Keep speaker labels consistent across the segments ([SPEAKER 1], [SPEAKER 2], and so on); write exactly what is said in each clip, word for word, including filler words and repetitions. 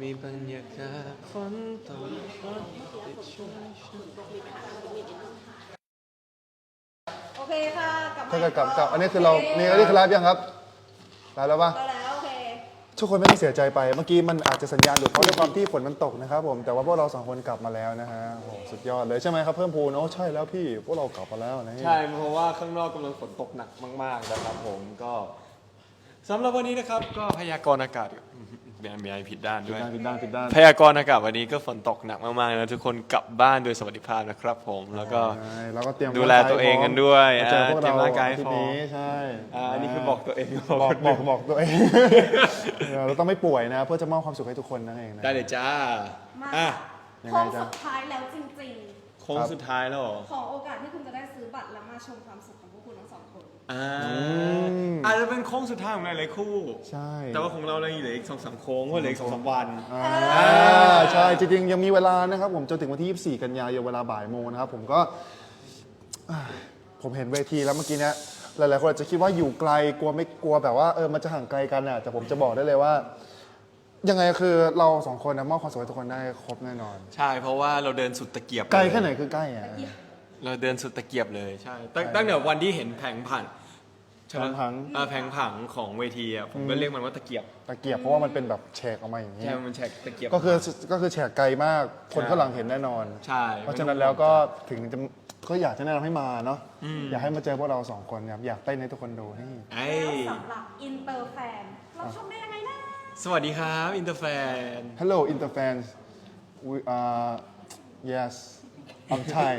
[SPEAKER 1] มีบรรยากาศฝนตกฝนติดชุ่มชื้น
[SPEAKER 2] โอเคค่ะกลับมา
[SPEAKER 3] ถ้าเกิดกลับกลับอันนี้คือเรานี่อันนี้คือไลฟ์ยังครับไลฟ์แล้วปะ
[SPEAKER 2] ก็แล้วโอเค
[SPEAKER 3] ทุกคนไม่ต้องเสียใจไปเมื่อกี้มันอาจจะสัญญาณหลุดเพราะด้วยความที่ฝนมันตกนะครับผมแต่ว่าพวกเราสองคนกลับมาแล้วนะฮะโอ้โหสุดยอดเลยใช่ไหมครับเพิ่มพูนโอ้ใช่แล้วพี่พวกเรากลับมาแล้วนะ
[SPEAKER 1] ใช่เพราะว่าข้างนอกกำลังฝนตกหนักมากๆนะครับผมก็สำหรับวันนี้นะครับก็พยากรณ์อากาศมีมีอะไรผิดด้านด้วย
[SPEAKER 3] ผิดด้านผิดด้าน
[SPEAKER 1] พยากรณ์อากาศวันนี้ก็ฝนตกหนักมากๆนะทุกคนกลับบ้านโดยสวัสดิภาพนะครับผมแล้วก็
[SPEAKER 3] ใช่แล้วก็เตรียม
[SPEAKER 1] ดูแลตัวเองกันด้วย
[SPEAKER 3] มาเจอพวก
[SPEAKER 1] เตรี
[SPEAKER 3] เรา
[SPEAKER 1] ยมร่างกายให้
[SPEAKER 3] ที่
[SPEAKER 1] พร้อม
[SPEAKER 3] นี้ใช่
[SPEAKER 1] อ่าอันนี้คือบอกตัวเอง
[SPEAKER 3] บอกบอกบอกตัวเอง เราต้องไม่ป่วยนะเพื่อจะมอบความสุขให้ทุกคนนั่นเองนะ
[SPEAKER 1] ได้เลยจ้า
[SPEAKER 2] มา
[SPEAKER 1] อ่ะ
[SPEAKER 3] ยัง
[SPEAKER 2] โค้
[SPEAKER 3] ไง
[SPEAKER 2] ง
[SPEAKER 3] จ๊ะ
[SPEAKER 2] สุดท้ายแล้วจริง
[SPEAKER 1] โค้งสุดท้ายแล้วเหรอ
[SPEAKER 2] ๆ ของโอกาสที่คุณจะได้ซื้อบัตรแล้วมาชมความสุขของพวกคุณทั้งสองคน
[SPEAKER 1] อ่าอาจจะเป็นโค้งสุดท้ายของหลายๆคู่
[SPEAKER 3] ใช่
[SPEAKER 1] แต่ว่าของเราเราเหลืออีกสองสามโค้งเพราะเหลืออีกสองสามวัน
[SPEAKER 3] อ่าใช่จริงๆยังมีเวลานะครับผมจนถึงวันที่ยี่สิบสี่กันยายนเวลาบ่ายโมงนะครับผมก็อ่าผมเห็นเวทีแล้วเมื่อกี้เนี้ยหลายๆคนอาจจะคิดว่าอยู่ไกลกลัวไม่กลัวแบบว่าเออมันจะห่างไกลกันอ่ะแต่ผมจะบอกได้เลยว่า ยังไงคือเราสองคนนะมอบความสุขให้ทุกคนได้ครบแน่นอน
[SPEAKER 1] ใช่เพราะว่าเราเดินสุดตะเกียบ
[SPEAKER 3] ไกลแค่ไหนคือใกล้อ่ะ
[SPEAKER 1] เราเดินสุดตะเกียบเลยใช่ตั้งตั้งแต่วันที่เห็นแผงผังใช่ไหม
[SPEAKER 3] แผงผัง
[SPEAKER 1] อ่าแผงผังของเวทีอ่ะผมก็เรียกมันว่าตะเกียบ
[SPEAKER 3] ตะเกียบเพราะว่ามันเป็นแบบแฉกออกมาอย่างนี้
[SPEAKER 1] ใช่มันแฉกตะเกียบ
[SPEAKER 3] ก็คือก็คือแฉกไกลมากคน
[SPEAKER 1] ใช่
[SPEAKER 3] ข้างหลังเห็นแน่นอน
[SPEAKER 1] ใช่
[SPEAKER 3] เพราะฉะนั้นแล้วก็ถึงจะก็อยากจะแนะนำให้มาเนาะอยากให้มาเจอพวกเราสองคนครับอยากเต้นให้ทุกคนดูนี่
[SPEAKER 1] ไอ้
[SPEAKER 2] แล้วสำหรับอินเตอร์แฟน เราชมได้ยังไงนะ
[SPEAKER 1] สวัสดีครับอินเตอร์แฟน
[SPEAKER 3] Hello Interfans we uh yes I'm Thai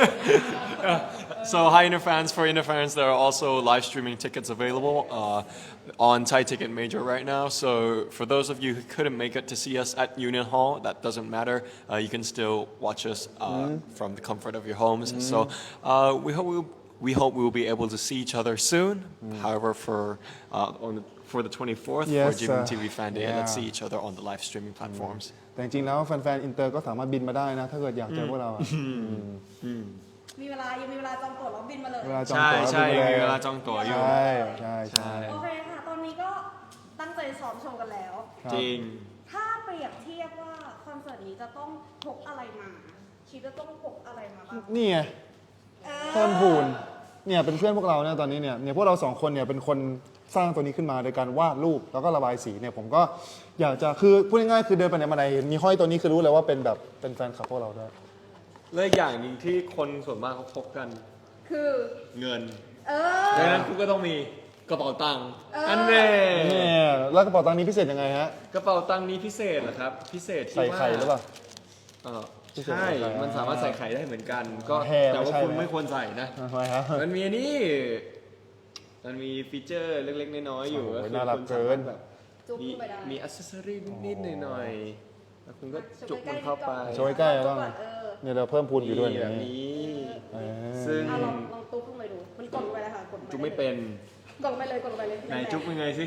[SPEAKER 1] So hi Interfans. For Interfans, there are also live streaming tickets available uh, on Thai Ticket Major right now. So for those of you who couldn't make it to see us at Union Hall, that doesn't matter. Uh, you can still watch us uh, mm. from the comfort of your homes. Mm. So uh, we hope we'll, we hope we will be able to see each other soon. Mm. However, for uh, on the, for the twenty-fourth
[SPEAKER 3] Yes,
[SPEAKER 1] for G M M T V
[SPEAKER 3] uh,
[SPEAKER 1] Fan Day,
[SPEAKER 3] yeah.
[SPEAKER 1] let's see each other on the live streaming platforms.
[SPEAKER 3] แต่จริงๆแล้วแฟนๆอินเตอร์ก็สามารถบินมาได้นะ ถ้าเกิดอยากเจอพวกเราอะ
[SPEAKER 2] มีเวลา ยังมีเวลาจองตั๋วแล้วบินมาเลย
[SPEAKER 3] เวลาจอง
[SPEAKER 1] ใช่
[SPEAKER 3] ตั๋ว
[SPEAKER 1] ใช่
[SPEAKER 3] บินมา
[SPEAKER 1] มี
[SPEAKER 3] ย
[SPEAKER 1] เวลาจองตั๋วอยู่
[SPEAKER 3] ใช่ใช่ใช่
[SPEAKER 2] โอเคค่ะ ตอนนี้ก็ตั้งใจซ้อมโชว์กันแล้ว
[SPEAKER 3] ครับ
[SPEAKER 1] จริง
[SPEAKER 2] ถ้าเปรียบเทียบว่าคอนเสิร์ตนี้จะต้องพกอะไรมา คิดว่าต้องพกอะไรมาบ้าง
[SPEAKER 3] นี่ไง
[SPEAKER 2] เออ
[SPEAKER 3] เพิ่มพูนเนี่ยเป็นเพื่อนพวกเราเนี่ยตอนนี้เนี่ยเนี่ยพวกเราสองคนเนี่ยเป็นคนสร้างตัวนี้ขึ้นมาโดยการวาดรูปแล้วก็ระบายสีเนี่ยผมก็อยากจะคือพูดง่ายๆคือเดินไปไหนมาไหนเห็นมีห้อยตัวนี้คือรู้เลยว่าเป็นแบบเป็นแฟนคลับพวกเราด้วย
[SPEAKER 1] และอีกอย่างหนึ่งที่คนส่วนมากเขาพกกัน
[SPEAKER 2] คือ
[SPEAKER 1] เงิน
[SPEAKER 2] เออ
[SPEAKER 1] ดังนั้นคุณก็ต้องมีกระเป๋าตังค์
[SPEAKER 2] เอออั
[SPEAKER 1] อันแน่
[SPEAKER 3] เนี่ยแล้วกระเป๋าตังค์นี้พิเศษยังไงฮะ
[SPEAKER 1] กระเป๋าตังค์นี้พิเศษเหรอครับ พิเศษที่
[SPEAKER 3] ใส่
[SPEAKER 1] ว่า
[SPEAKER 3] ไข่หรือเปล่า
[SPEAKER 1] เออ
[SPEAKER 3] พิเศษ
[SPEAKER 1] ใช่
[SPEAKER 3] ใส่ไข่
[SPEAKER 1] มันสามารถใส่ไข่ได้เหมือนกัน ก็
[SPEAKER 3] แฮ่
[SPEAKER 1] แต่ว่า
[SPEAKER 3] ไม่ใช่
[SPEAKER 1] คุณ
[SPEAKER 3] ไหม
[SPEAKER 1] ไม่ควรใส่นะ
[SPEAKER 3] ทำไมครับ
[SPEAKER 1] มันมีอันนี้มันมีฟีเจอร์เล็กๆน้อยๆอยู่
[SPEAKER 3] โอ้โห
[SPEAKER 1] ก็คือ
[SPEAKER 3] น่ารัก
[SPEAKER 1] คุณ
[SPEAKER 3] เกิน
[SPEAKER 1] สามารถแบบ
[SPEAKER 2] จุ๊บ
[SPEAKER 1] มี
[SPEAKER 2] เข้าไปได้
[SPEAKER 1] มีอัซเซอรี่นิดๆหน่อยๆแล้วคุณก็จุกมันเข้าไป
[SPEAKER 3] โชว์ใกล้ๆบ้าง
[SPEAKER 2] เออ
[SPEAKER 3] เนี่ยเราเพิ่มพูนอยู่ด้วย
[SPEAKER 1] นี่
[SPEAKER 3] เนี่
[SPEAKER 1] แบบ
[SPEAKER 3] ย
[SPEAKER 1] นี้
[SPEAKER 3] เออ
[SPEAKER 1] ซึ่ง
[SPEAKER 2] อ่ะลองลองตุ๊บลงไปดู มันกดลงไปเลยค่ะ กดลงป
[SPEAKER 1] จุกไม่เป็น
[SPEAKER 2] กดลงไปเลย กดลงไปเลย
[SPEAKER 1] ไหนจุกเป็นไงสิ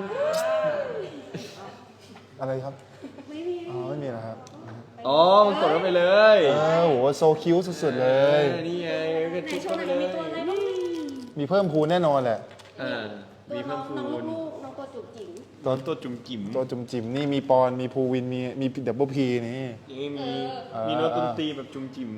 [SPEAKER 3] อะไรครับ
[SPEAKER 2] ไม่มี
[SPEAKER 3] อ๋อไม่มีนะครับ
[SPEAKER 1] อ๋อมันกดเข้าไปเลย
[SPEAKER 3] เออโหโซคิวสุดๆเลย
[SPEAKER 1] ออนี่ไงก็
[SPEAKER 2] ไหน
[SPEAKER 1] จุก
[SPEAKER 2] โช
[SPEAKER 1] เข้า
[SPEAKER 2] ว์ห
[SPEAKER 1] ไป
[SPEAKER 2] น่อย
[SPEAKER 1] เล
[SPEAKER 2] มี
[SPEAKER 1] ย
[SPEAKER 2] ตัวอะไรบ้าง
[SPEAKER 3] มีเพิ่มพูนแน่นอนแหละ
[SPEAKER 1] อ่ามีเพิ่มพู
[SPEAKER 2] น้อง
[SPEAKER 1] น
[SPEAKER 2] ลูกๆน้องตัวจุ๋มจิ๋ม
[SPEAKER 3] ตัว
[SPEAKER 1] ตัวจุ่มจิ๋ม
[SPEAKER 3] ตัวจุ่มจิ๋มนี่มีปอนมีภูวินมีมีดับเบิลพีนี่
[SPEAKER 1] นี่มี
[SPEAKER 3] เออ
[SPEAKER 1] มีโน้ตดนตรีแบบจุ่มจิ๋ม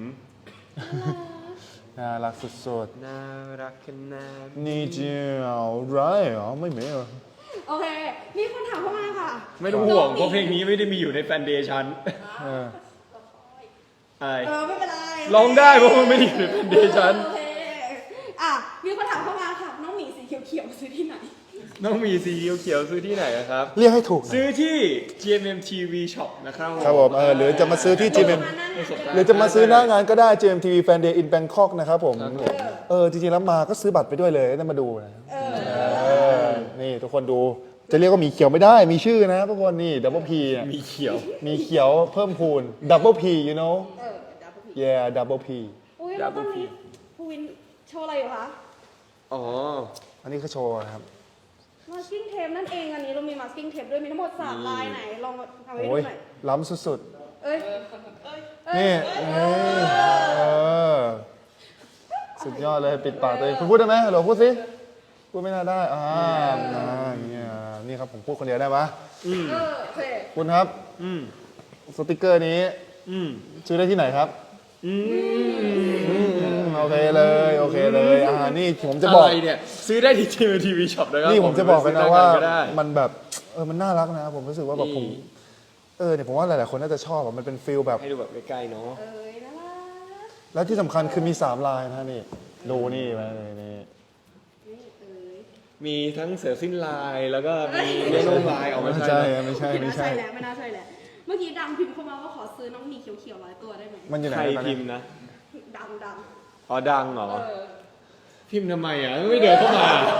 [SPEAKER 3] น่ารักสุด
[SPEAKER 1] น่ารักขนาด
[SPEAKER 3] ๆนี่เจียวไรเหรอไม่เหม็นเหรอ
[SPEAKER 2] โอเค มีคนถามเข้ามาค่ะ
[SPEAKER 1] ไม่ต้องห่วงเพราะเพลงนี้ไม่ได้มีอยู่ในแฟนเดย์ชัน
[SPEAKER 3] เออ
[SPEAKER 1] อะไร
[SPEAKER 2] เออไม่เป็นไร
[SPEAKER 1] ร้องได้เพราะมันไม่ได้อยู่ในแฟนเดย์ชัน
[SPEAKER 2] โอเคอ่ะ มีคนถามเข้ามาค่ะ น้องหมีสีเขียวๆซื้อที่ไหน
[SPEAKER 1] น้องมีสีเขียวๆซื้อที่ไหนอะครับ
[SPEAKER 3] เรียกให้ถูกหน่อย
[SPEAKER 1] ซื้อที่ จี เอ็ม เอ็ม ที วี Shop นะครับ
[SPEAKER 3] ครับผมเออหรือจะมาซื้อที่ จี เอ็ม หรือจะมาซื้อหน้างานก็ได้ จี เอ็ม ที วี Fan Day in Bangkok นะครับผม เออ จริงๆ แล้วมาก็ซื้อบัตรไปด้วยเลยได้มาดูนะเออ นี่ทุกคนดู จะเรียกว่าหมีเขียวไม่ได้ มีชื่อนะทุกคนนี่ Double P อ่ะ
[SPEAKER 1] มีเขียว
[SPEAKER 3] มีเขียวเพิ่มพูน Double P you know
[SPEAKER 2] เออเดี๋ยวพูดผิด
[SPEAKER 3] yeah Double P
[SPEAKER 2] อุ้ยแล้วตอนนี้ภูวินโชว์อะไรอยู่คะ
[SPEAKER 1] อ๋อ
[SPEAKER 3] อันนี้คือโชว์นะครับ
[SPEAKER 2] มาสกิ้งเทปนั่นเองอันนี้เรามีมาสกิ้งเทปด้วยมีทั้งหมดสามลายไหนลองทำให้ดู
[SPEAKER 3] โอ้ย
[SPEAKER 2] หน่อย
[SPEAKER 3] ล้ำสุด
[SPEAKER 2] เอ้ย
[SPEAKER 3] ๆ นี่เอ้ยเออ สุดยอดเลยปิดปากตัวเองคุณพูดได้ไหมฮัลโหลพูดสิ พูดไม่น่าได้ อ่าอ่าเนี่ยนี่ครับผมพูดคนเดียวได้ปะ
[SPEAKER 2] เออโอเค
[SPEAKER 3] คุณครับ
[SPEAKER 1] อืม
[SPEAKER 3] สติกเกอร์นี้
[SPEAKER 1] อืม
[SPEAKER 3] ซื้อได้ที่ไหนครับ
[SPEAKER 1] อืม
[SPEAKER 3] อืมโอเคเลยโอเคเลยอ่านี่ผมจะบอก
[SPEAKER 1] อะไรเนี่ย ซื้อได้ที่ทีวีทีวีช็อปนะครับ
[SPEAKER 3] นี่ผมจะบอกกันนะว่า
[SPEAKER 1] ซื้อได้ก็ได้
[SPEAKER 3] มันแบบเออมันน่ารักนะผมรู้สึกว่าแบบผม
[SPEAKER 1] นี่
[SPEAKER 3] เออเนี่ยผมว่าหลายๆคนน่าจะชอบอะมันเป็นฟิลแบบ
[SPEAKER 1] ให้ดูแบบใกล้ๆเนาะ
[SPEAKER 2] เอ้ยน่ารัก
[SPEAKER 3] แล้วที่สำคัญคือมีสามลายนะนี่ดูนี่มาเลยนี่
[SPEAKER 2] นี่เอ้ย
[SPEAKER 1] มีทั้งเสือสิ้นลายแล้วก็มีเนโนลายออกมา
[SPEAKER 3] ไม่
[SPEAKER 1] ใช่
[SPEAKER 3] ใช่
[SPEAKER 1] ไหม
[SPEAKER 3] ไม่ใช่
[SPEAKER 2] ไม่
[SPEAKER 3] ไม่
[SPEAKER 2] น่าใช่
[SPEAKER 3] ใช่
[SPEAKER 2] แล้วไม่น่าใช่แล้วเมื่อกี้ดังพิมพ์เข้ามาว่าขอซื้อน้องหมีเขียวๆร้อยตัวได้ไหม
[SPEAKER 3] มันอยู่ไหน
[SPEAKER 1] ใคร
[SPEAKER 3] ตอน
[SPEAKER 1] พิ
[SPEAKER 3] นี้
[SPEAKER 1] มพ์นะ
[SPEAKER 2] ดังดัง
[SPEAKER 1] อ๋อดังเหรอ
[SPEAKER 2] เออ
[SPEAKER 1] พิมพ์ทำไมอ่ะไม่เดินเข้ามา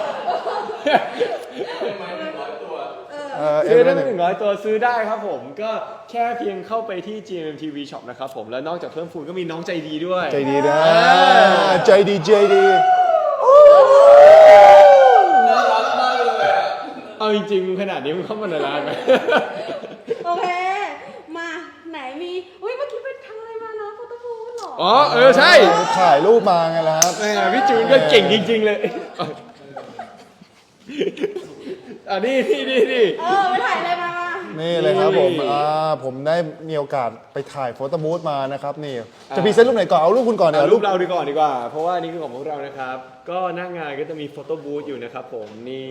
[SPEAKER 3] เออเอ็
[SPEAKER 1] ซื้อ
[SPEAKER 3] ม
[SPEAKER 1] ได้
[SPEAKER 3] ห
[SPEAKER 1] ไม่
[SPEAKER 3] นึ่ง
[SPEAKER 1] ถึงร้อยตัวซื้อได้ครับผม ก็แค่เพียงเข้าไปที่ จี เอ็ม ที วี Shop นะครับผม แล้วนอกจากเพิ่มฟูนก็มีน้องใจดีด้วย
[SPEAKER 3] ใจดีนะใจดีใจดี
[SPEAKER 1] น่ารักมากเลยอะเอาจริงๆขนาดนี้มึงเข้ามาในร้านไหม
[SPEAKER 2] โอเค มาไหนมีอุ้ยเมื่อกี้ไปทำอะไรมานะโฟโต้บูธเหรอ
[SPEAKER 1] อ๋อเออใช่
[SPEAKER 3] ถ่ายรูปมาไงล่ะครับ
[SPEAKER 1] แหมพี่จูนก็เก่งจริง ๆ เลยอันนี้นี่นี่นี่
[SPEAKER 2] เออไปถ่ายอะไรมามา
[SPEAKER 3] นี่เลยครับผมอ่าผมได้มีโอกาสไปถ่ายโฟโต้บูธมานะครับนี่จะพรีเซนต์รูปไหนก่อนเอารูปคุณก่อนเดี๋ย
[SPEAKER 1] เอา
[SPEAKER 3] ว
[SPEAKER 1] รู
[SPEAKER 3] รู
[SPEAKER 1] ป
[SPEAKER 3] ป
[SPEAKER 1] เราดีก่อนดีกว่า เพราะว่านี่คือของพวกเรานะครับ ก็หน้างานก็จะมีโฟโต้บูธอยู่นะครับผมนี่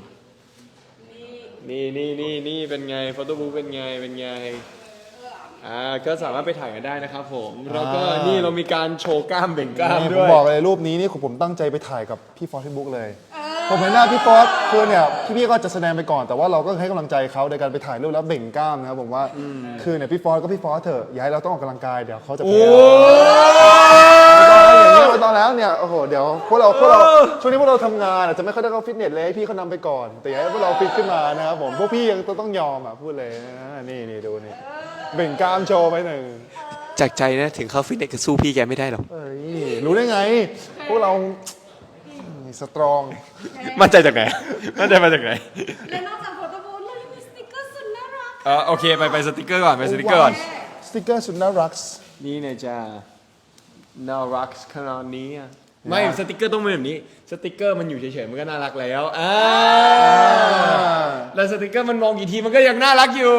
[SPEAKER 1] นี่นี่นี่นี่เป็นไงโฟโต้บูธเป็นไงเป็นไงอ่าก็สามารถไปถ่ายกันได้นะครับผมแล้วก็นี่เรามีการโชว์กล้ามเบ่งกล้าม
[SPEAKER 3] นี่ผ
[SPEAKER 1] ด้
[SPEAKER 3] ม
[SPEAKER 1] วย
[SPEAKER 3] บอกเลยรูปนี้นี่ผมตั้งใจไปถ่ายกับพี่ฟอสที่บุ๊กเลย ผมเห็นหน้าพี่ฟอสคือเนี่ยพี่ๆก็จะแสดงไปก่อนแต่ว่าเราก็ให้กำลังใจเขาในการไปถ่ายรูปแล้วเบ่งกล้ามนะครับผมว่าคือเนี่ยพี่ฟอสก็พี่ฟอสเถอะอย่าให้เราต้องออกกำลังกายเดี๋ยวเขาจะ
[SPEAKER 1] โอ้
[SPEAKER 3] แพ้อย่างนี้ตอนแล้วเนี่ยโอ้โหเดี๋ยวพวกเราพวกเราช่วงนี้พวกเราทำงานอาจจะไม่ค่อยได้เข้าฟิตเนสเลยให้พี่เขานำไปก่อน แต่อย่าให้พวกเราฟิตขึ้นมานะครับผมพวกพี่ยังต้องยอมอ่ะพูดเลยนะนี่นี่ดูนี่เบ่งกล้ามโชว์ไปหนึ่ง
[SPEAKER 1] จากใจนะถึงเข้าฟิตเนสก็สู้พี่แกไม่ได้หรอก
[SPEAKER 3] เอ้ยรู้ได้ไง พวกเราสตรอง
[SPEAKER 1] มั่นใจจากไหนมั่นใจมาจากไหน
[SPEAKER 2] และนอกจากโฟโต้บูธเรายังมีสติกเกอร์สุดน่ารัก
[SPEAKER 1] เออโอเคไปไปสติกเกอร์ก่อนไปสติกเกอร์ก่อน
[SPEAKER 3] สติกเกอร์สุดน่ารัก
[SPEAKER 1] นี่เนี่ยจ้าน่ารักขนาดนี้อะไม่สติกเกอร์ต้องเป็นแบบนี้สติกเกอร์มันอยู่เฉยๆมันก็น่ารักแล้วอ่าแล้วสติกเกอร์มันมองกี่ทีมันก็ยังน่ารักอยู่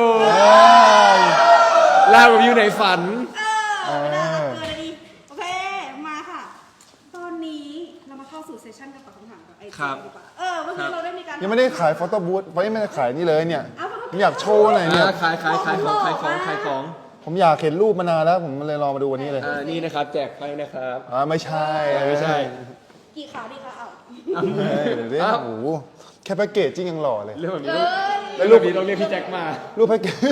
[SPEAKER 1] ลาแบบอยู่ในฝัน
[SPEAKER 2] เออน่ารักเกินเลยดิโอเค มาค่ะ ตอนนี้เรามาเข้าสู่เซสชั่นการตอบคำถามกับไอ
[SPEAKER 1] ครั
[SPEAKER 2] จี
[SPEAKER 1] บ
[SPEAKER 2] ดีกว่าเออเมื่อกี้เราได้มีการ
[SPEAKER 3] ยังไม่ได้ขายฟอโต้บูธไม่ได้ขายนี่เลยเนี่ยผมอยากโชว์หน่อยเนี่ย
[SPEAKER 1] อ่าขายขายขายของขายของขายของ
[SPEAKER 3] ผมอยากเห็นรูปมานานแล้วผมเลยรอมาดูวันนี้เลย
[SPEAKER 1] อ่านี่นะครับแจกไพ่นะครับ
[SPEAKER 3] อ่าไม่ใช่
[SPEAKER 1] ไม่ใช่
[SPEAKER 2] กี่ขาดีคะเอา
[SPEAKER 3] เฮ้ยเดี๋ยวดิ
[SPEAKER 1] อ้าว
[SPEAKER 3] โอ้โหแค่แพ็กเกจจิ้งยังหล่อเลย
[SPEAKER 1] เรื่องแบบนี้
[SPEAKER 2] เอ้
[SPEAKER 1] ต้อง
[SPEAKER 2] ย
[SPEAKER 1] แล้วรูปนี้ต้องเรียกพี่แจ็คมา
[SPEAKER 3] รูปแพ็กเกจ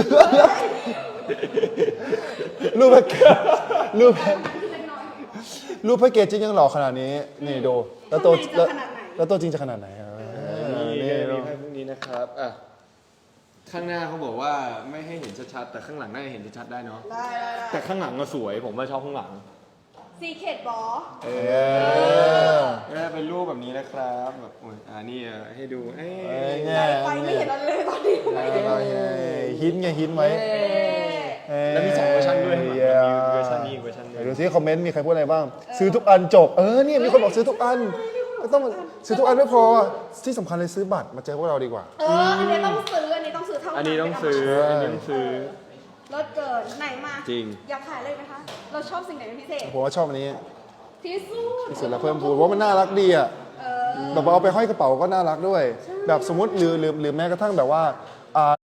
[SPEAKER 3] รูปแพ็กเกจรูปแพ็กรูปแพ็กเกจจิ้งยังหล่อขนาดนี้นี่ดูแล้วตัวแล้วแล้วตัวจริงจะขนาดไหนอ่ะ
[SPEAKER 1] นี่
[SPEAKER 3] นี่
[SPEAKER 1] ก็จะ
[SPEAKER 3] ดู
[SPEAKER 1] มีไพ่พวกนี้นะครับอ่ะข้างหน้าเขาบอกว่าไม่ให้เห็นชัดๆแต่ข้างหลังน่าจะเห็นชัดๆได้เนาะ
[SPEAKER 2] ได้ได้ได้
[SPEAKER 1] แต่ข้างหลังก็สวยผมว่าชอบข้างหลัง
[SPEAKER 2] ซีเคดบอส
[SPEAKER 1] เอ
[SPEAKER 3] เออ
[SPEAKER 1] ก็เป็นรูปแบบนี้นะครับแบบโอ้ยอ่านี่อ่ะให้ดูเอ้ย
[SPEAKER 3] เอ้ย
[SPEAKER 2] ไ
[SPEAKER 3] เนี่ย
[SPEAKER 2] ฟไม่เห็นอะไรเลยตอนนี้
[SPEAKER 3] ฮิตไงฮิตไว้
[SPEAKER 1] แล้วมีสองเวอร์ชันด้วยข้างหลัง
[SPEAKER 3] เย้
[SPEAKER 1] มีเวอร์ชันนี้อีกเวอร์ชันหนึ
[SPEAKER 3] ไหน
[SPEAKER 1] ง
[SPEAKER 3] ดูซิคอมเมนต์มีใครพูดอะไรบ้าง ซื้อทุกอันจบ เออเนี่ยมีคนบอกซื้อทุกอันไม่ต้องซื้อทุกอันไม่พอที่สำคัญเลยซื้อบัตรมาเจอพวกเราดีกว่า
[SPEAKER 2] เอออันนี้ต้องซื้ออันนี้ต้องซื้อเท่านั้น
[SPEAKER 1] อันนี้ต้องซื้อ
[SPEAKER 3] ใช่
[SPEAKER 1] อันนี้ต้องซื้อ
[SPEAKER 2] รถเกินไหนมา
[SPEAKER 1] จริง
[SPEAKER 2] อยากขายเลยไหมคะ เราชอบสิ่งไหนเป็นพิเศษ
[SPEAKER 3] ผมว่าชอบอันนี้
[SPEAKER 2] ที่สุด
[SPEAKER 3] ที่สุดแล้วเพิ่มพูนเพราะมันน่ารักดีอ่ะ
[SPEAKER 2] เออ
[SPEAKER 3] แบบว่าเอาไปห้อยกระเป๋าก็น่ารักด้วย แบบสมมติหรือหรือหรือแม้กระทั่งแบบว่าอ่า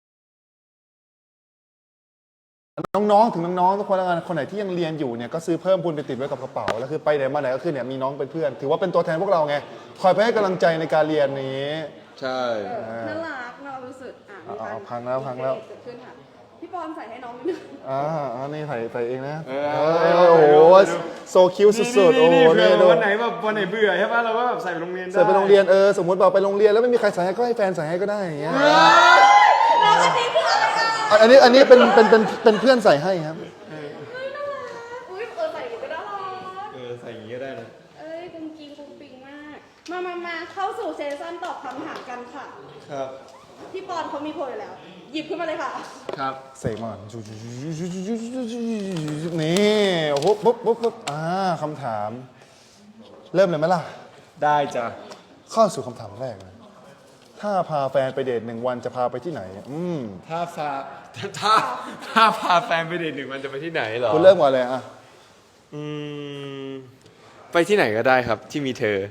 [SPEAKER 3] น้องๆถึงน้องๆทุกคนแล้วกันคนไหนที่ยังเรียนอยู่เนี่ยก็ซื้อเพิ่มพูนไปติดไว้กับกระเป๋าแล้วคือไปไหนมาไหนก็คือเนี่ยมีน้องเป็นเพื่อน ถือว่าเป็นตัวแทนพวกเราไงคอยไปให้กำลังใจในการเรียนนี้
[SPEAKER 1] ใช่
[SPEAKER 2] น่ารักน่ารู้สึกอ่ะมี
[SPEAKER 3] เอา
[SPEAKER 2] การ
[SPEAKER 3] เอาพังแล้วพังแล้ว
[SPEAKER 2] เกิดขึ้นค่ะพี่ปอนใส่ให้น้องนิดนึง
[SPEAKER 3] อ่าอันนี้ใส่ใส่เองนะ
[SPEAKER 1] เอ
[SPEAKER 3] เอ
[SPEAKER 1] อ
[SPEAKER 3] อโอ้โหโซคิวสุดๆโอ้โห
[SPEAKER 1] นี่เผื่
[SPEAKER 3] นี่
[SPEAKER 1] อ
[SPEAKER 3] ดู
[SPEAKER 1] วันไหนแบบวันไหนเบื่อใช่ป่ะเราก็แบบใส่ไปโรงเรียนได้
[SPEAKER 3] ใส่ไปโรงเรียนเออสมมติบอกไปโรงเรียนแล้วไม่มีใครใส่ให้ก็ให้แฟนใส่ให้ก็ได้อย่างเงี้ย
[SPEAKER 2] แล้วอันนี้คืออะไรอ่ะ
[SPEAKER 3] อันนี้อันนี้เป็นเป็นเป็นเป็นเพื่อนใส่ให้ครับ
[SPEAKER 2] เฮ้ยน่ารักอุ้ยเออใส่อย่างนี้ก็น่ารัก
[SPEAKER 1] เออใส่อย่างนี้ก็ได้นะ
[SPEAKER 2] เอ้ยกุ้งกิ้งกุ้งปิงมาก มามามาเข้าสู่เซสชั่นตอบคำถามกันค่ะ
[SPEAKER 1] ครับ
[SPEAKER 2] พี่ปอนเขามีโพยอยู่แล้ว หยิบขึ้นมาเลยค่ะ
[SPEAKER 1] ครับ
[SPEAKER 3] เสกมานี่โอ้โหปุ๊บปุ๊บปุ๊บอ่าคำถาม เริ่มเลยไหมล่ะ
[SPEAKER 1] ได้จ้ะ
[SPEAKER 3] เข้าสู่คำถามแรกเลยถ้าพาแฟนไปเดทหนึ่งวันจะพาไปที่ไหน อืม
[SPEAKER 1] ถ้าพาถ้าถ้าพาแฟนไปเดทหนึ่งวันจะไปที่ไหนเหรอ
[SPEAKER 3] คุณเริ่มก่อนเลยอ่ะ
[SPEAKER 1] อืมไปที่ไหนก็ได้ครับที่มีเธอ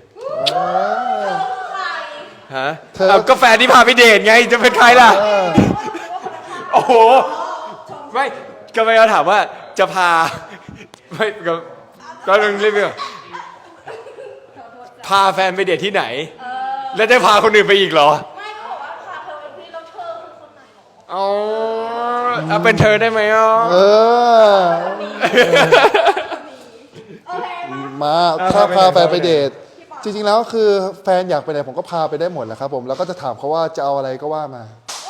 [SPEAKER 1] ฮะ
[SPEAKER 3] เธอ
[SPEAKER 1] เอาก็แฟนที่พาไปเดทไงจะเป็นใครล่ะ โอ้โห ไม่ก็ไม่เขาถามว่าจะพา ไม่ก็ก็ต้องเรียกว่าพาแฟนไปเดทที่ไหน แล้วได้พาคนอื่นไปอีกเหรอ
[SPEAKER 2] ไม่ก็บอกว่าพาเธอไปที่แล้วเธอคือคนไหนหรอ
[SPEAKER 1] อ๋อเอาเป็นเธอได้ไหมอ่ะ
[SPEAKER 3] เออ
[SPEAKER 2] โอเคมา
[SPEAKER 3] มาถ้าพาแฟนไปเดท จริงๆแล้วคือแฟนอยากไปไหนผมก็พาไปได้หมดแหละครับผม แล้วก็จะถามเขาว่าจะเอาอะไรก็ว่ามา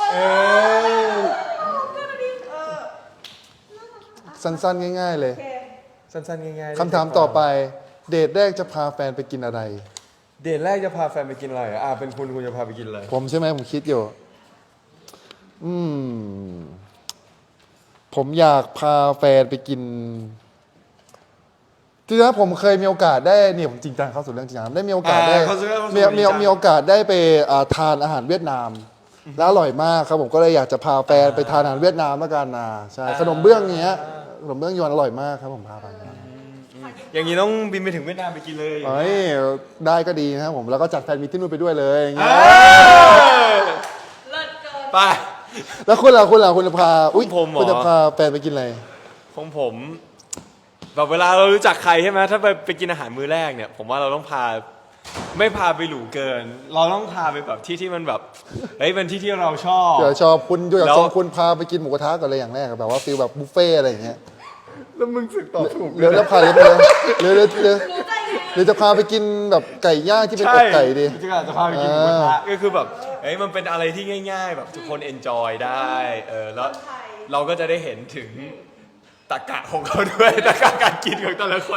[SPEAKER 3] สั้นๆ ง่าย ๆ เลย
[SPEAKER 1] สั้นๆง่ายๆ
[SPEAKER 3] คำถามต่อไป เดทแรกจะพาแฟนไปกินอะไร
[SPEAKER 1] เดทแรกจะพาแฟนไปกินอะไรอ่ะอ่ะเป็นคุณคุณจะพาไปกินอะไร
[SPEAKER 3] ผมใช่ไหมผมคิดอยู่ อืม ผมอยากพาแฟนไปกินจริงๆแล้วผมเคยมีโอกาสได้เนี่ยผมจริงจังเข้าสู่เรื่องจริงจังได้มีโอกาสได้
[SPEAKER 1] อ่าเข้าสู่เรื่อง
[SPEAKER 3] มีมี
[SPEAKER 1] จริงจัง
[SPEAKER 3] มีโอกาสได้ไปอ่าทานอาหารเวียดนาม แล้วอร่อยมากครับผมก็เลยอยากจะพาแฟนไปทานอาหารเวียดนามแล้วกันนะใช่ขนมเบื้องเงี้ยขนมเบื้องยวนอร่อยมากครับผมพาไป
[SPEAKER 1] อย่างนี้ต้องบินไปถึงเวียดนามไปกินเลย
[SPEAKER 3] เฮ้ยได้ก็ดีนะครับผมแล้วก็จัดแฟนมีตที่นู่นไปด้วยเลยอย่างเงี้ย
[SPEAKER 2] เลิศเกิน
[SPEAKER 1] ไป
[SPEAKER 3] แล้วคุณล่ะคุณล่ะคุณจะพาอุ้ย
[SPEAKER 1] ผมเหรอ
[SPEAKER 3] คุณจะพาแฟนไปกินอะไร
[SPEAKER 1] ของผมแบบเวลาเรารู้จักใครใช่ไหมถ้าไปไปกินอาหารมื้อแรกเนี่ย ผมว่าเราต้องพาไม่พาไปหรูเกิน เราต้องพาไปแบบที่ที่มันแบบเฮ้ยเป็นที่ที่เราชอบ
[SPEAKER 3] เดี๋ยวชอบคุณอยู่กับ
[SPEAKER 1] แล้ว
[SPEAKER 3] สองคุณพาไปกินหมูกระทะก่อนเลยอย่างแรกอะแบบว่าฟีลแบบบุฟเฟ่ต์อะไรอย่างเงี้ย
[SPEAKER 1] แล้วมึงสึกตอบถูก
[SPEAKER 3] หรือแล้วพาหรือหรือหรือหรือหรือหรือจะพาไปกินแบบไก่ย่างที่เป็นอกไก่ดี
[SPEAKER 1] จะจะพาไปกินหมูกระทะก็คือแบบเฮ้ยมันเป็นอะไรที่ง่าย ๆ แบบทุกคนเอนจอยได้เออแล้วเราก็จะได้เห็นถึงตรรกะของเขาด้วยตรรกะการกินของแต่ละคน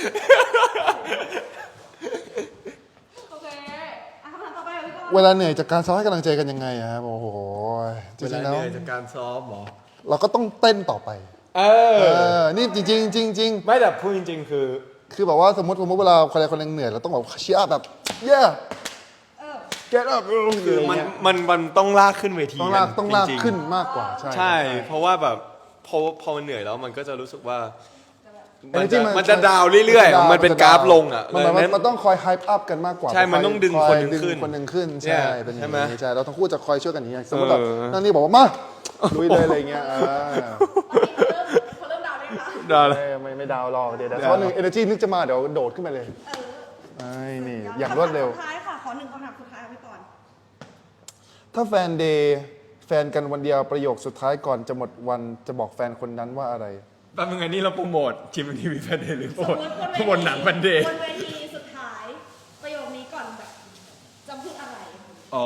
[SPEAKER 2] โอเคอ่ะคำถามต่อไปเลยพี่บอล
[SPEAKER 3] เวลาเหนื่อยจากการซ้อมให้กำลังใจกันยังไงอะครับโอ้โหจ
[SPEAKER 1] เวลา
[SPEAKER 3] ริงๆแล้ว
[SPEAKER 1] เหนื่อยจากการซ้อมหรอ
[SPEAKER 3] เราก็ต้องเต้นต่อไป
[SPEAKER 1] เอ
[SPEAKER 3] เอ
[SPEAKER 1] อ
[SPEAKER 3] อนี่จริงๆจริงๆจริง
[SPEAKER 1] ไม่แต่พูดจริง ๆ คือ
[SPEAKER 3] ๆคือแบบว่าสมมติสมมติเวลาคนใดคนหนึ่งเหนื่อยเราต้องแบบเชียร์แบบ yeah
[SPEAKER 2] เออ
[SPEAKER 3] get up
[SPEAKER 1] คือมันมันมันต้องลากขึ้นเวที
[SPEAKER 3] ต้องลากต้องลาก
[SPEAKER 1] จริๆ
[SPEAKER 3] ขึ้นมากกว่าใช่
[SPEAKER 1] ใช่ เพราะว่าแบบพอพอมันเหนื่อยแล้วมันก็จะรู้สึกว่า
[SPEAKER 3] เอ
[SPEAKER 1] มัน
[SPEAKER 3] เนอร์จี้
[SPEAKER 1] จะมันจะดาวเรื่อย
[SPEAKER 3] มัจะดาว
[SPEAKER 1] ๆ มันเป็นกราฟลงอ่ะ
[SPEAKER 3] มันมัน
[SPEAKER 1] ดังนั้น
[SPEAKER 3] มันต้องคอย hype up กันมากกว่า
[SPEAKER 1] ใช่มันต้องดึง
[SPEAKER 3] คย
[SPEAKER 1] คนหนึ่งขึ้น
[SPEAKER 3] ดึคนหนึ่งขึ้น
[SPEAKER 1] เนี่
[SPEAKER 3] ใช่
[SPEAKER 1] ย
[SPEAKER 3] เป็นอ
[SPEAKER 1] ใช่
[SPEAKER 3] ย่าง
[SPEAKER 1] ไหม
[SPEAKER 3] นี้ใช่เราต้องคู่จะคอยช่วยกันอย่างนี้สมมติแบบ
[SPEAKER 1] เออ
[SPEAKER 3] นั่นนี่บอกว่ามาลุยเลยอะไรเงี้ยอ่า
[SPEAKER 2] เขาเริ่มดาวน์ได้คะ
[SPEAKER 1] ดาวเลย
[SPEAKER 3] ไม่ไม่ไม่ดาวหรอกเดี๋ยวเดี๋ยวเพราะหนึ่ง energy นึกจะมาเดี๋ยวโดดขึ้นไปเลยไอ้นี่อย่างรวดเร็ว
[SPEAKER 2] คำถามสุดท้ายค่ะ ขอหนึ่งคำถามสุดท้ายเอาไว้ก่อน
[SPEAKER 3] ถ้าแฟนเดย์แฟนกันวันเดียวประโยคสุดท้ายก่อนจะหมดวันจะบอกแฟนคนนั้นว่าอะไร
[SPEAKER 1] แป๊บนึงอันนี้เราโปรโมททีมทีวีแฟนเดย์หรือโปร
[SPEAKER 2] ส
[SPEAKER 1] โม
[SPEAKER 2] ม
[SPEAKER 1] ท
[SPEAKER 2] มติบนเว
[SPEAKER 1] โปรโมท
[SPEAKER 2] ที
[SPEAKER 1] หนังแฟนเดย์
[SPEAKER 2] บนเวทีสุดท้าย ประโยคนี้ก่อนแบบจำพูดอะไร
[SPEAKER 1] อ๋อ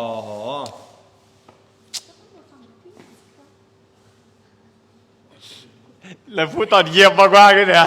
[SPEAKER 1] แล้วพูดตอนเยี่ยมมากๆเลยเนี่ย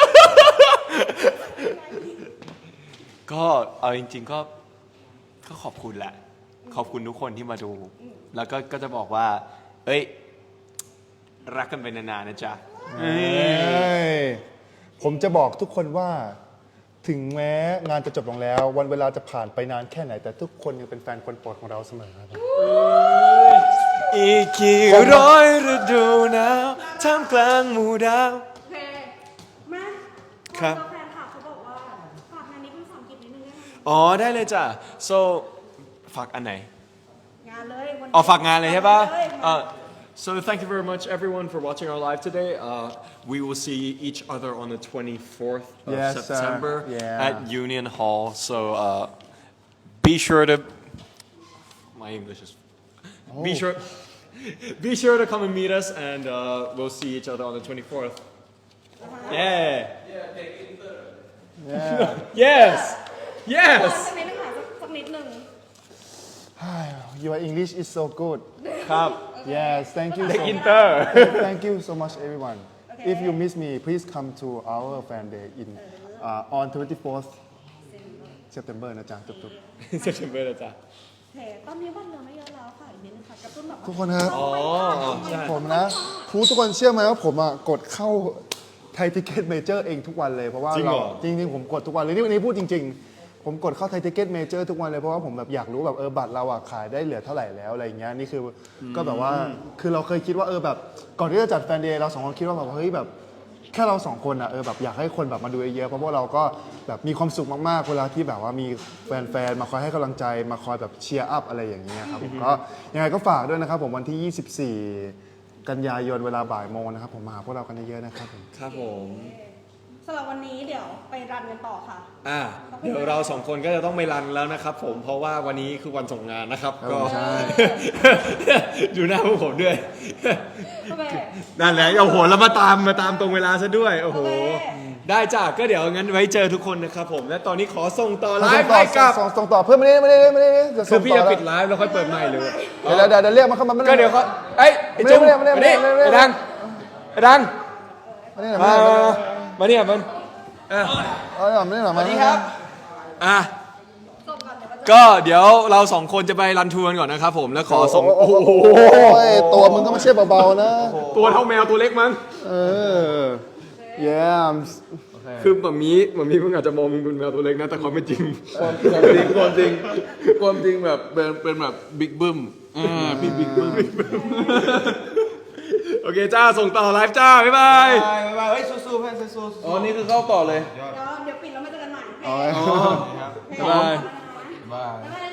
[SPEAKER 1] ก็เอาจริง ๆ ก็ก็ขอบคุณแหละ ขอบคุณทุกคนที่มาดู แล้วก็ก็จะบอกว่า เอ้ย รักกันไปนานๆนะจ๊ะ
[SPEAKER 3] เอ้ยผมจะบอกทุกคนว่า ถึงแม้งานจะจบลงแล้ว วันเวลาจะผ่านไปนานแค่ไหน แต่ทุกคนยังเป็นแฟนคนโปรดของเราเสมอครับ
[SPEAKER 1] อีกกี่ร้อยฤดูหนาวท่ามกลางหมู่ดาว
[SPEAKER 2] โอเคแม่
[SPEAKER 1] ครับ
[SPEAKER 2] แฟนคลับเขาบอกว่าฝากงานนี้เป็นภาษาอังกฤษนิดนึงได้ไหม
[SPEAKER 1] อ๋อ ได้เลยจ้ะ so ฝากอันไหน
[SPEAKER 2] งานเลยวันนี้
[SPEAKER 1] อ๋อฝากงานเลยใช่ปะ
[SPEAKER 2] ฝากงานเลย
[SPEAKER 1] Uh, so thank you very much everyone for watching our live today. Uh, we will see each other on the twenty-fourth of
[SPEAKER 3] Yes, sir.
[SPEAKER 1] September
[SPEAKER 3] Yeah.
[SPEAKER 1] at Union Hall. So uh, be sure to. My English is. Be sure. Be sure to come and meet us, and uh, we'll see each other on the twenty-fourth. Yeah.
[SPEAKER 3] Yeah.
[SPEAKER 1] Yes.
[SPEAKER 2] ขอ
[SPEAKER 1] Yes.
[SPEAKER 2] สักนิดนึงค่ะสักสักนิดนึง
[SPEAKER 3] Your English is so good
[SPEAKER 1] ครับ
[SPEAKER 3] yes thank you
[SPEAKER 1] เด็ก
[SPEAKER 3] so
[SPEAKER 1] อินเตอร์
[SPEAKER 3] thank you so much everyone if you miss me please come to our fan day in uh, on twenty-fourth September นะจ๊ะจุ๊บ
[SPEAKER 1] เซปเทมเบอร์นะจ๊ะ
[SPEAKER 2] โอเคตอนนี้วันเหลือไม่เยอะแล้วค่ะอีกนิดนึงค่ะกระตุ้นแบบ
[SPEAKER 3] ๆทุกคนครับ
[SPEAKER 1] อ๋อใช่
[SPEAKER 3] ผมนะผู้ทุกคนเชื่อไหมว่าผมอ่ะกดเข้าไทยทิเก็ตเมเจอร์เองทุกวันเลยเพราะว่า
[SPEAKER 1] จริงเหร
[SPEAKER 3] เรา
[SPEAKER 1] อ
[SPEAKER 3] จริงๆผมกดทุกวันเลยนี่วันนี้พูดจริง ๆผมกดเข้าไทยทิเก็ตเมเจอร์ทุกวันเลยเพราะว่าผมแบบอยากรู้แบบเออบัตรเราอะขายได้เหลือเท่าไหร่แล้วอะไรอย่างเงี้ยนี่คืออก็แบบว่าคือเราเคยคิดว่าเออแบบก่อนที่จะจัดแฟนเดย์เราสองคนคิดว่าแบบเฮ้ยแบบแค่เราสองคนอะเออแบบอยากให้คนแบบมาดูเยอะๆเพราะพวกเราก็แบบมีความสุขมากๆเวลาที่แบบว่ามีแฟนๆมาคอยให้กำลังใจมาคอยแบบเชียร์อัพอะไรอย่างเงี้ยครับผมก็ยังไงก็ฝากด้วยนะครับผมวันที่ยี่สิบสี่กันยายนเวลาบ่ายโมงนะครับผมมาหาพวกเรากันเยอะๆนะครับผม
[SPEAKER 1] ครับผม
[SPEAKER 2] สำหรับวันนี้เดี๋ยวไปรันกันต่อค่ะ
[SPEAKER 1] อ่าเดี๋ยวเราสองคนก็จะต้องไปรันแล้วนะครับผมเพราะว่าวันนี้คือวันส่งงานนะครับก็
[SPEAKER 3] ใช่
[SPEAKER 1] ดูหน้าพวกผมด้วย
[SPEAKER 2] โอเค
[SPEAKER 1] นั่นแหละโอ้โหแล้วมาตามมาตามตรงเวลาซะด้วยโอ้โห
[SPEAKER 2] โอเค
[SPEAKER 1] ได้จ้ะก็เดี๋ยวงั้นไว้เจอทุกคนนะครับผมและตอนนี้ขอส่งต่อไล
[SPEAKER 3] ส่ง
[SPEAKER 1] ฟ์
[SPEAKER 3] ต่อ
[SPEAKER 1] ให้กับ
[SPEAKER 3] ส่งส่งต่อเพื่อนไม่ได้ไม่ได้ไม่ได้เดี๋ยว
[SPEAKER 1] คื
[SPEAKER 3] ส่
[SPEAKER 1] อง พี่
[SPEAKER 3] ต่อ
[SPEAKER 1] จะ
[SPEAKER 3] แล้ว
[SPEAKER 1] ปิดไลฟ์แล้วค่อยเปิดใหม่เลย
[SPEAKER 3] เดี๋ยวเดี๋ยวเดี๋ยวเรียกมาเข้ามาไม่ได้
[SPEAKER 1] ก็เดี๋ยวเขาเอ้ยไอ้จุ๊บ
[SPEAKER 3] ไม่ได้ไม่ได้ไม่ได้
[SPEAKER 1] มานี่
[SPEAKER 3] ไม่ได้
[SPEAKER 1] ไอ้ดังไอ้ดัง
[SPEAKER 3] ไม่ได้หรอ
[SPEAKER 1] มา
[SPEAKER 3] ไม่ได้
[SPEAKER 1] มาเนี่ยมันอ่ะ
[SPEAKER 3] ไม่ได้หรอไม่ได้หรอ
[SPEAKER 1] สวัสดีครับอ่ะ
[SPEAKER 2] จบก่อนเดี๋ยวเราจะ
[SPEAKER 1] ก็เดี๋ยวเราสองคนจะไปรันทัวร์กันก่อนนะครับผมแล้วขอส่ง
[SPEAKER 3] โอ้โหตัวมึงก็ไม่ใช่เบาๆนะ
[SPEAKER 1] ตัวเท่าแมวตัวเล็กมั้ง
[SPEAKER 3] เออ yeah
[SPEAKER 1] คือแบบนี้แบบนี้มึงอาจจะมองมึงเป็นแมวตัวเล็กนะแต่ความเป็นจริง
[SPEAKER 4] ความความจริงความจริงความจริงแบบเป็นเป็นแบบบิ๊กบึ้มอ่าพี่บิ๊กบึ้ม
[SPEAKER 1] โอเคจ้าส่งต่อไลฟ์จ้า บ๊ายบาย
[SPEAKER 4] บายบายเฮ้ยสู้ๆเพื่อนสู้ๆอ๋อนี่คือเข้าต่อเลย
[SPEAKER 2] เดี๋ยวเดี๋ยวปิดแล้วมาเจอกันใหม่
[SPEAKER 3] อ๋อ
[SPEAKER 2] โอเค
[SPEAKER 1] บ๊ายบาย
[SPEAKER 4] บาย
[SPEAKER 2] บ๊ายบาย